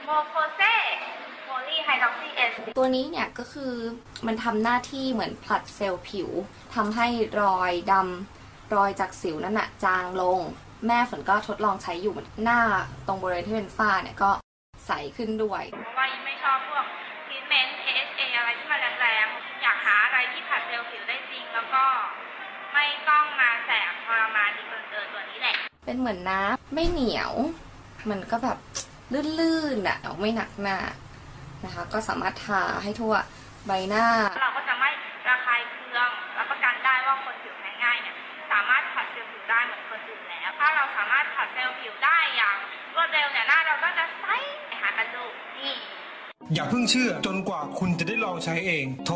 โมโคเซโพลีไฮดรอกซีเอสตัวนี้เนี่ยก็คือมันทำหน้าที่เหมือนผลัดเซลล์ผิวทำให้รอยดำรอยจากสิวนั่นน่ะจางลงแม่ฝนก็ทดลองใช้อยู่หน้าตรงบริเวณที่เป็นฝ้าเนี่ยก็ใสขึ้นด้วยเพราะว่ายิ่งไม่ชอบพวกทรีทเมนต์ AHA อะไรที่มันแรงๆอยากหาอะไรที่ผลัดเซลล์ผิวได้จริงแล้วก็ไม่ต้องมาแสบทรมานดีเกินตัวนี้แหละเป็นเหมือนน้ำไม่เหนียวมันก็แบบลื่นๆอ่ะไม่หนักหน้านะคะก็สามารถทาให้ทั่วใบหน้าเราก็จะไม่ระคายเคืองรับประกันได้ว่าคนผิวแพ้ง่ายเนี่ยสามารถผัดเซลล์ผิวได้เหมือนคนอื่นแล้วถ้าเราสามารถผัดเซลล์ผิวได้อย่างรวดเร็วเนี่ยหน้าเราก็จะใสหากันดูนี่อย่าเพิ่งเชื่อจนกว่าคุณจะได้ลองใช้เองโทร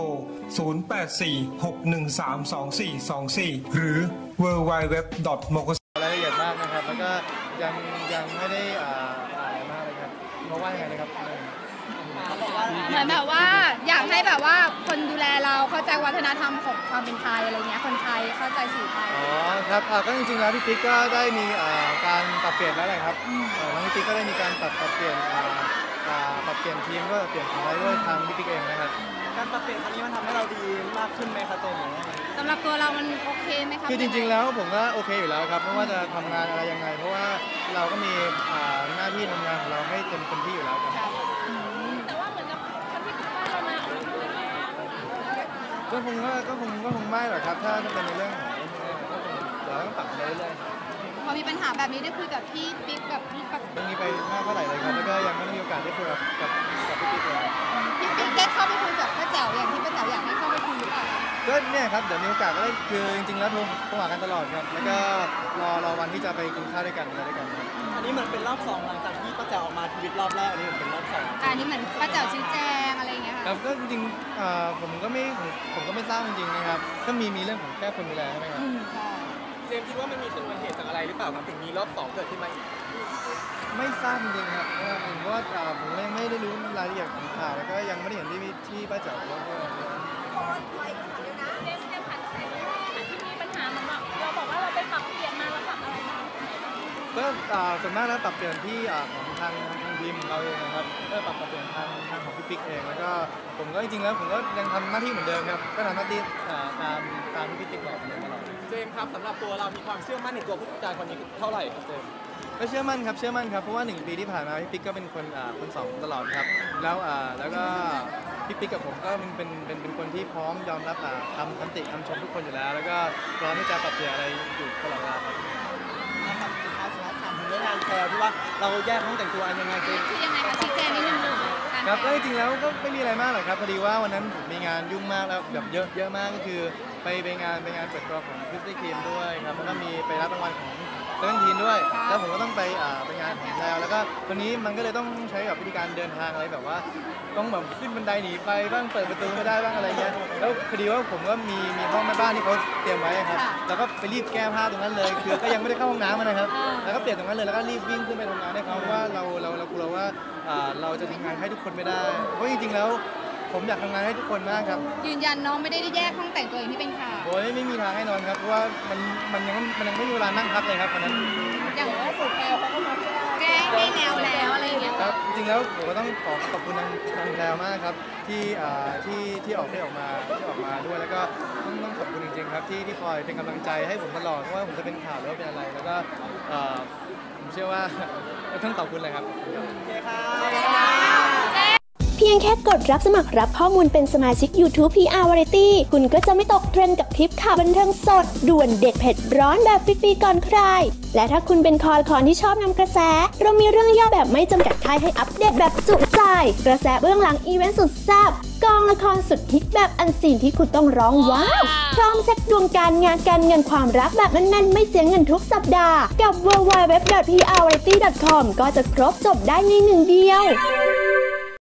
0846132424 หรือ www.mokos รายละเอียดมากนะครับแล้วก็ยังไม่ได้อะไรมากเลยครับเพราะว่าอย่างไรนะครับเหมือนแบบว่าอยากให้แบบว่าคนดูแลเราเข้าใจวัฒนธรรมของความเป็นไทยอะไรเงี้ยคนไทยเข้าใจสื่อไทยอ๋อครับก็จริงๆแล้วพี่ปิ๊กก็ได้มีการปรับเปลี่ยนแล้วแหละครับน้องพี่ปิ๊กก็ได้มีการปรับเปลี่ยนทีมก็เปลี่ยนอะไรด้วยทางพี่ปิ๊กเองนะครับการปรับเปลี่ยนครั้งนี้มันทำให้เราดีมากขึ้นไหมครับตัวนี้สำหรับตัวเรามันโอเคไหมครับคือจริงๆแล้วผมก็โอเคอยู่แล้วครับไม่ว่าจะทำงานอะไรยังไงเพราะว่าเราก็มีหน้าที่ทำงานของเราให้เต็มที่อยู่แล้วครับแต่ว่าเหมือนกับคนที่คิดว่าเรามาออกมาเป็นยังไงก็คงไม่หรอกครับถ้าจะเป็นในเรื่องของเราต้องปรับไปเรื่อยพอมีปัญหาแบบนี้ได้คุยกับพี่ปิ๊กกับพี่ปักตรงนี้ไปมากเท่าไหร่เลยครับแล้วก็ยังไม่ได้มีโอกาสได้คุยกับพี่ปิ๊กเลยพี่ปิ๊กได้เข้าไปคุยกับป้าแจ๋วอย่างที่ป้าแจ๋วอยากให้เข้าไปคุยหรือเปล่าก็เนี่ยครับเดี๋ยวมีโอกาสก็ได้คือจริงๆแล้วโทรหากันตลอดครับแล้วก็รอวันที่จะไปกินข้าวด้วยกันอะไรด้วยกันอันนี้เหมือนเป็นรอบ2หลังจากที่ป้าแจ๋วออกมาทวิตรอบแรกอันนี้เหมือนเป็นรอบ2 อันนี้เหมือนป้าแจ๋วชี้แจงอะไรอย่างเงี้ยค่ะครับก็จริงๆผมก็ไม่ทราบจริงๆนะครับก็มีเรื่องของแค่คนดูแลใช่ไหมครับเจมส์คิดว่ามันมีชนวนเหตุจากอะไรหรือเปล่าครับถึงมีรอบ2เกิดขึ้นมาอีกไม่ทราบจริงๆครับเพราะว่าผมไม่ได้รู้รายละเอียดของข่าวแล้วก็ยังไม่ได้เห็นที่ป้าแจ๋วเล่าด้วยก็ส่วนมากแล้วปรับเปลี่ยนที่ของทางทีมของเราเองนะครับก็ปรับเปลี่ยนทางของพี่ปิ๊กเองแล้วก็ผมก็จริงๆแล้วผมก็ยังทำหน้าที่เหมือนเดิมครับก็ทำหน้าที่ตามที่พี่ปิ๊กบอกมาตลอดเจมส์ครับสำหรับตัวเรามีความเชื่อมั่นในตัวผู้จัดการคนนี้เท่าไหร่ครับเจมส์ก็เชื่อมั่นครับเพราะว่า1 ปีที่ผ่านมาพี่ปิ๊กก็เป็นคนสองตลอดครับแล้วก็พี่ปิ๊กกับผมก็เป็นคนที่พร้อมยอมรับคำติคำชมทุกคนอยู่แล้วแล้วก็พร้อมที่จะปรับเปลี่ยนอะไรอยู่ตลอดเวลาครับเรื่องงานแซวที่ว่าเราแยกห้องแต่งตัวยังไงคือยังไงคะชี้แจงนิดนึงครับก็จริงๆแล้วก็ไม่มีอะไรมากหรอกครับพอดีว่าวันนั้นผมมีงานยุ่งมากแล้วแบบเยอะมากก็คือไปงานเปิดตัวของคริสตี้ครีมด้วยครับแล้วก็มีไปรับรางวัลของ17ด้วยแล้วผมก็ต้องไปงานของแล้วก็วันนี้มันก็เลยต้องใช้แบบวิธีการเดินทางอะไรแบบว่าต้องแบบขึ้นบันไดหนีไปบ้างเปิดประตูไม่ได้บ้างอะไรเงี้ยแล้วพอดีว่าผมก็มีห้องแม่บ้านที่เขาเตรียมไว้ครับแล้วก็ไปรีบแก้ผ้าตรงนั้นเลยคือก็ยังไม่ได้เข้าห้องน้ำนะครับแล้วก็เปลี่ยนตรงนั้นเลยแล้วก็รีบวิ่งขึ้นไปทำงานให้เขาเพราะว่าเรากลัวว่าเราจะทำงานให้ทุกคนไม่ได้เพราะจริงๆแล้วผมอยากทำงานให้ทุกคนมากครับยืนยันน้องไม่ได้แยกห้องแต่งตัวอย่างที่เป็นข่าวโอ้ยไม่มีทางให้นอนครับเพราะว่ามันยังไม่มีเวลานั่งพักเลยครับวันนั้นอย่างว่าสุดแพลวเขาก็มาแก้ให้แนวแล้วอะไรอย่างเงี้ยครับจริงๆแล้วผมก็ต้องขอบคุณทางแพลวมากครับที่ออกมาด้วยแล้วก็ต้องขอบคุณจริงๆครับที่คอยเป็นกำลังใจให้ผมตลอดว่าผมจะเป็นข่าวหรือว่าเป็นอะไรแล้วก็ผมเชื่อว่าต้องขอบคุณเลยครับโอเคค่ะเพียงแค่กดรับสมัครรับข้อมูลเป็นสมาชิก YouTube PR Variety คุณก็จะไม่ตกเทรนด์กับทริปข่าวบันเทิงสดด่วนเด็ดเผ็ดร้อนแบบฟรีๆก่อนใครและถ้าคุณเป็นคอที่ชอบนำกระแสเรามีเรื่องย่อแบบไม่จำกัดท้ายให้อัปเดตแบบจุใจกระแสเบื้องหลังอีเวนต์สุดแซ่บกองละครสุดฮิตแบบอันซีนที่คุณต้องร้องว้าวพร้อมเช็คดวงการงานการเงินความรักแบบแน่นๆไม่เสียเงินทุกสัปดาห์กับ www.prvariety.com ก็จะครบจบได้ในหนึ่งเดียว